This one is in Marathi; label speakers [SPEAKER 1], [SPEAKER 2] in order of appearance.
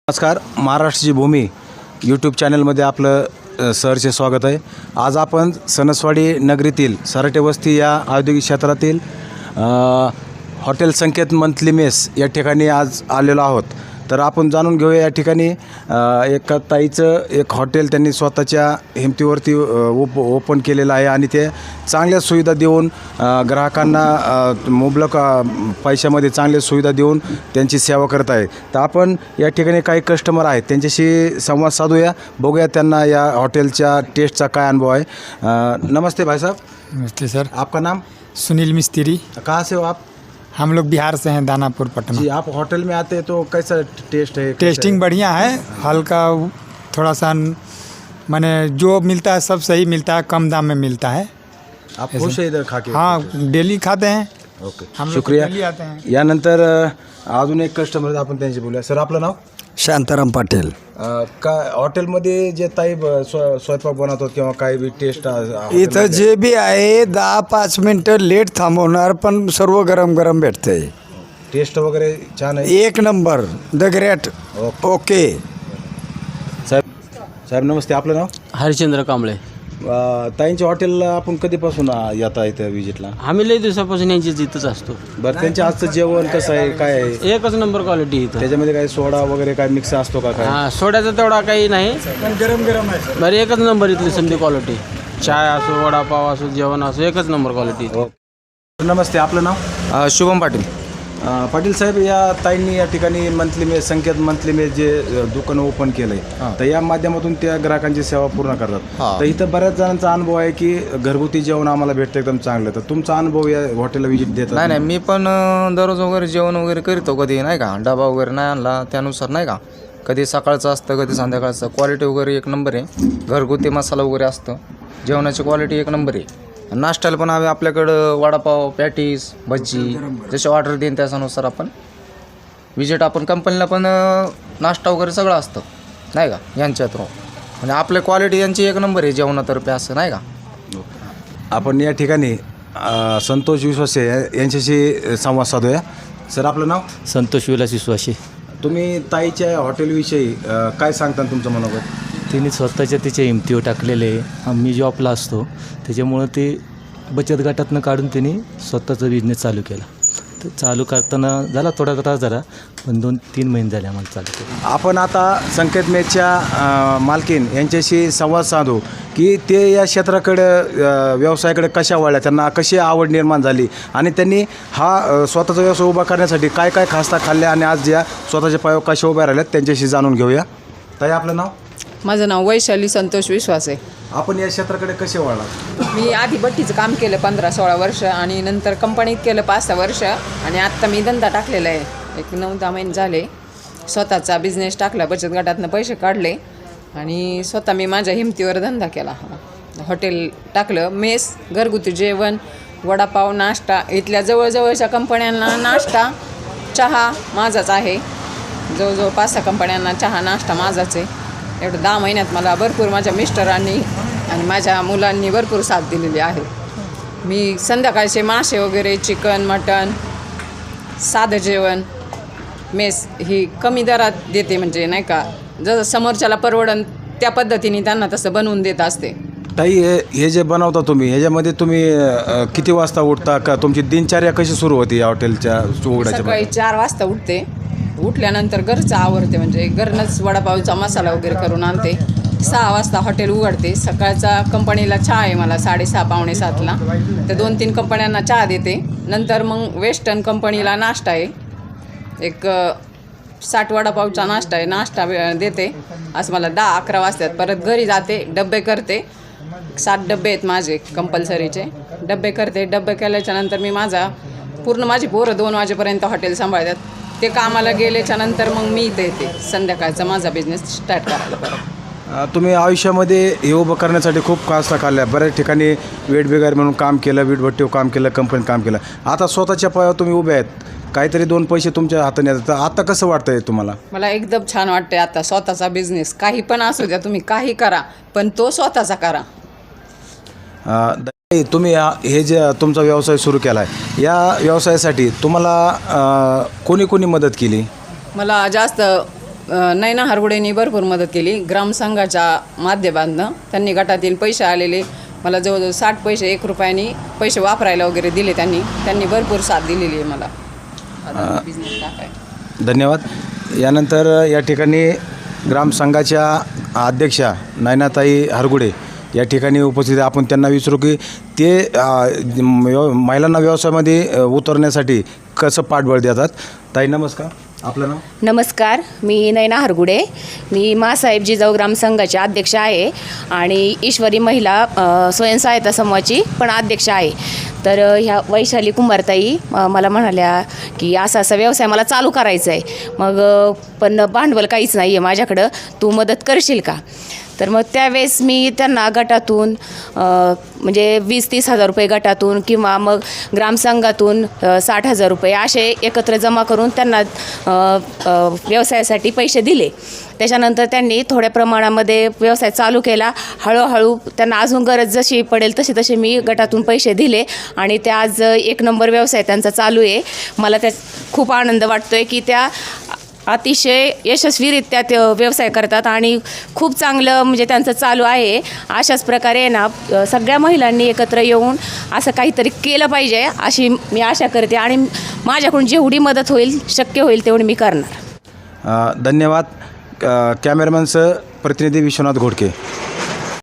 [SPEAKER 1] नमस्कार, महाराष्ट्राची भूमी यूट्यूब चॅनलमध्ये आपलं सहर्ष स्वागत आहे। आज आपण सणसवाडी नगरीतील सराटे वस्ती या औद्योगिक क्षेत्रातील हॉटेल संकेत मंथली मेस या ठिकाणी आज आलेलो आहोत। तर आपण जाणून घेऊया या ठिकाणी एका ताईचं एक हॉटेल त्यांनी स्वतःच्या हिमतीवरती ओपन केलेलं आहे आणि ते चांगल्या सुविधा देऊन ग्राहकांना मुबलक पैशामध्ये चांगल्या सुविधा देऊन त्यांची सेवा करत आहे। तर आपण या ठिकाणी काही कस्टमर आहेत त्यांच्याशी संवाद साधूया, बघूया त्यांना या हॉटेलच्या टेस्टचा काय अनुभव आहे। नमस्ते भाई साहब।
[SPEAKER 2] नमस्ते सर।
[SPEAKER 1] आपका नाम?
[SPEAKER 2] सुनील मिस्त्री।
[SPEAKER 1] कहाँ से हो आप?
[SPEAKER 2] हम लोग बिहार से हैं, दानापुर पटना।
[SPEAKER 1] जी, आप होटल में आते हैं तो कैसा टेस्ट है?
[SPEAKER 2] टेस्टिंग बढ़िया है, हल्का थोड़ा सा माने जो मिलता है सब सही मिलता है, कम दाम में मिलता है।
[SPEAKER 1] आप खुश है इधर खा के?
[SPEAKER 2] हाँ, डेली खाते हैं।
[SPEAKER 1] ओके,
[SPEAKER 2] हम लोग
[SPEAKER 1] शुक्रिया।
[SPEAKER 2] डेली आते हैं।
[SPEAKER 1] यानंतर अजून एक कस्टमर आपण त्यांची बोलूया। सर, आपलं नाव?
[SPEAKER 3] शांताराम पाटील।
[SPEAKER 1] का हॉटेलमध्ये जे ताई स्वयंपाक बनवतात किंवा काही बी टेस्ट
[SPEAKER 3] इथं जे बी आहे 10-5 मिनटं लेट थांबवणार, पण सर्व गरम गरम भेटते।
[SPEAKER 1] टेस्ट वगैरे छान आहे?
[SPEAKER 3] एक नंबर, द ग्रेट। ओके
[SPEAKER 1] साहेब नमस्ते, आपलं नाव?
[SPEAKER 4] हरिश्चंद्र कांबळे।
[SPEAKER 1] ताईंच्या हॉटेलला आपण कधीपासून येता इथं विजिटला?
[SPEAKER 4] आम्ही लई दिवसापासून यांची इथंच असतो।
[SPEAKER 1] बरं, त्यांच्या आजचं जेवण कसं आहे, काय आहे?
[SPEAKER 4] एकच नंबर क्वालिटी इथं।
[SPEAKER 1] त्याच्यामध्ये काही सोडा वगैरे काय मिक्स असतो का काय?
[SPEAKER 4] हां, सोड्याचा तेवढा काही नाही,
[SPEAKER 2] गरम गरम है।
[SPEAKER 4] बरं एकच नंबर इथली समधी क्वालिटी। चाय असो, वडापाव असो, जेवण असो, एकच नंबर क्वालिटी।
[SPEAKER 1] नमस्ते, आपलं नाव?
[SPEAKER 5] शुभम पाटील।
[SPEAKER 1] पाटील साहेब, या ताईंनी या ठिकाणी monthly mess, Sanket monthly mess जे दुकान ओपन केलंय, तर या माध्यमातून त्या ग्राहकांची सेवा पूर्ण करतात। तर इथं बऱ्याच जणांचा अनुभव आहे की घरगुती जेवण आम्हाला भेटतं एकदम चांगलं। तर तुमचा अनुभव या हॉटेलला विजिट देतात?
[SPEAKER 5] नाही, मी पण दररोज वगैरे जेवण वगैरे करतो, कधी नाही का डबा वगैरे नाही आणला त्यानुसार नाही का, कधी सकाळचं असतं कधी संध्याकाळचं। क्वालिटी वगैरे एक नंबर आहे, घरगुती मसाला वगैरे असतं, जेवणाची क्वालिटी एक नंबर आहे। नाश्त्याला पण आम्ही आपल्याकडं वडापाव, पॅटीस, भजी जसे ऑर्डर देईन त्याच्यानुसार आपण विजिट, आपण कंपनीला पण नाश्ता वगैरे सगळं असतं नाही का यांच्या थ्रू, म्हणजे आपल्या क्वालिटी यांची एक नंबर आहे जेवणातर्फे असं नाही का।
[SPEAKER 1] आपण या ठिकाणी संतोष विश्वासे यांच्याशी संवाद साधूया। सर, आपलं नाव?
[SPEAKER 6] संतोष विलास विश्वासे।
[SPEAKER 1] तुम्ही ताईच्या हॉटेलविषयी काय सांगता तुमचं मनोगत?
[SPEAKER 6] तिने स्वतःच्या तिच्या हिमतीवर टाकलेले आहे। मी जॉबला असतो त्याच्यामुळं ते बचत गटातनं काढून तिने स्वतःचा बिझनेस चालू केला। तर चालू करताना झाला थोडा त्रास झाला, पण 2-3 महिने झाले आम्हाला चालू केलं।
[SPEAKER 1] आपण आता संकेत मेसच्या मालकीन यांच्याशी संवाद साधू की ते या क्षेत्राकडे व्यवसायाकडे कशा वळल्या, त्यांना कशी आवड निर्माण झाली आणि त्यांनी हा स्वतःचा व्यवसाय उभा करण्यासाठी काय काय खास्ता खाल्ल्या आणि आज या स्वतःच्या पायावर कशा उभ्या राहिल्यात त्यांच्याशी जाणून घेऊया। ताई, आपलं नाव?
[SPEAKER 7] माझं नाव वैशाली संतोष विश्वास आहे।
[SPEAKER 1] आपण या क्षेत्राकडे कसे वळलात?
[SPEAKER 7] मी आधी भट्टीचं काम केलं 15-16 वर्ष आणि नंतर कंपनीत केलं 5-6 वर्ष आणि आत्ता मी धंदा टाकलेला आहे, एक 9-10 महिने झाले। स्वतःचा बिझनेस टाकला, बचत गटातनं पैसे काढले आणि स्वतः मी माझ्या हिमतीवर धंदा केला। हॉटेल टाकलं, मेस, घरगुती जेवण, वडापाव, नाश्ता, इथल्या जवळजवळच्या कंपन्यांना नाश्ता चहा माझाच आहे। जवळजवळ 5-6 कंपन्यांना चहा नाश्ता माझाच आहे। एवढं 10 महिन्यात मला भरपूर माझ्या मिस्टरांनी आणि माझ्या मुलांनी भरपूर साथ दिलेली आहे। मी संध्याकाळचे मासे वगैरे, चिकन, मटण, साधं जेवण, मेस ही कमी दरात देते, म्हणजे नाही का जसं समोरच्याला परवडन त्या पद्धतीने त्यांना तसं बनवून देत असते।
[SPEAKER 1] ताई, हे जे बनवता तुम्ही, ह्याच्यामध्ये तुम्ही किती वाजता उठता, का तुमची दिनचर्या कशी सुरू होती या हॉटेलच्या उघडायच्या?
[SPEAKER 7] सकाळी 4 वाजता उठते, उठल्यानंतर घरचं आवरते, म्हणजे घरनंच वडापावचा मसाला वगैरे करून आणते। 6 वाजता हॉटेल उघडते। सकाळचा कंपनीला चहा आहे मला 6:30-6:45ला, तर 2-3 कंपन्यांना चहा देते। नंतर मग वेस्टर्न कंपनीला नाश्ता आहे, एक 60 वडापावचा नाश्ता आहे, नाश्ता देते। असं मला 10-11 वाजतात, परत घरी जाते, डब्बे करते। 7 डब्बे आहेत माझे कंपल्सरीचे, डब्बे करते। डब्बे केल्याच्यानंतर मी माझी पोरं 2 वाजेपर्यंत हॉटेल सांभाळतात। ते कामाला गेल्याच्या नंतर मग मी इथे येते संध्याकाळचा माझा बिझनेस स्टार्ट करायला परत।
[SPEAKER 1] तुम्ही आयुष्यामध्ये हे उभं करण्यासाठी खूप कास्ता खाल्ल्या, बऱ्याच ठिकाणी वेट बिगारी म्हणून काम केलं, वीटभट्टीवर काम केलं, कंपनीत काम केलं, आता स्वतःच्या पायावर तुम्ही उभे आहेत, काहीतरी 2 पैसे तुमच्या हाताने येतात। तर आता कसं वाटतंय तुम्हाला?
[SPEAKER 7] मला एकदम छान वाटतंय आता स्वतःचा बिझनेस, काही पण असू द्या, तुम्ही काही करा पण तो स्वतःचा करा।
[SPEAKER 1] तुम्ही हे जे तुमचा व्यवसाय सुरू केला आहे, या व्यवसायासाठी तुम्हाला कोणी कोणी मदत केली?
[SPEAKER 7] मला जास्त नैना हरगुडेंनी भरपूर मदत केली. ग्रामसंघाच्या माध्यमातून त्यांनी गटातील पैसे आलेले मला जवळजवळ 60 पैसे 1 रुपयानी पैसे वापरायला वगैरे दिले. त्यांनी भरपूर साथ दिलेली आहे मला आता बिझनेस टाकाय.
[SPEAKER 1] धन्यवाद. यानंतर या ठिकाणी ग्रामसंघाच्या अध्यक्षा नयनाताई हरगुडे या ठिकाणी उपस्थित आहे. आपण त्यांना विचारू की ते महिलांना व्यवसायामध्ये उतरण्यासाठी कसं पाठबळ देतात. ताई नमस्कार, आपलं नाव?
[SPEAKER 8] नमस्कार, मी नयना हरगुडे. मी मासाहेब जिजाऊ ग्रामसंघाची अध्यक्ष आहे आणि ईश्वरी महिला स्वयंसहायता समूहाची पण अध्यक्ष आहे. तर ह्या वैशाली कुंभारताई मला म्हणाल्या की असा व्यवसाय मला चालू करायचा आहे, मग पण भांडवल काहीच नाही आहे माझ्याकडं, तू मदत करशील का? तर मग त्यावेळेस मी त्यांना गटातून म्हणजे 20-30 हजार रुपये गटातून किंवा मग ग्रामसंघातून 60,000 रुपये असे एकत्र जमा करून त्यांना व्यवसायासाठी पैसे दिले. त्याच्यानंतर त्यांनी थोड्या प्रमाणामध्ये व्यवसाय चालू केला. हळूहळू त्यांना अजून गरज जशी पडेल तसे मी गटातून पैसे दिले आणि त्या आज 1 नंबर व्यवसाय त्यांचा चालू आहे. मला त्या खूप आनंद वाटतो आहे की त्या अतिशय यशस्वीरित्या ते व्यवसाय करतात आणि खूप चांगलं म्हणजे त्यांचं चालू आहे. अशाच प्रकारे ना सगळ्या महिलांनी एकत्र येऊन असं काहीतरी केलं पाहिजे अशी मी आशा करते आणि माझ्याकडून जेवढी मदत होईल शक्य होईल तेवढी मी करणार.
[SPEAKER 1] धन्यवाद. कॅमेरामॅनचं प्रतिनिधी विश्वनाथ घोडके.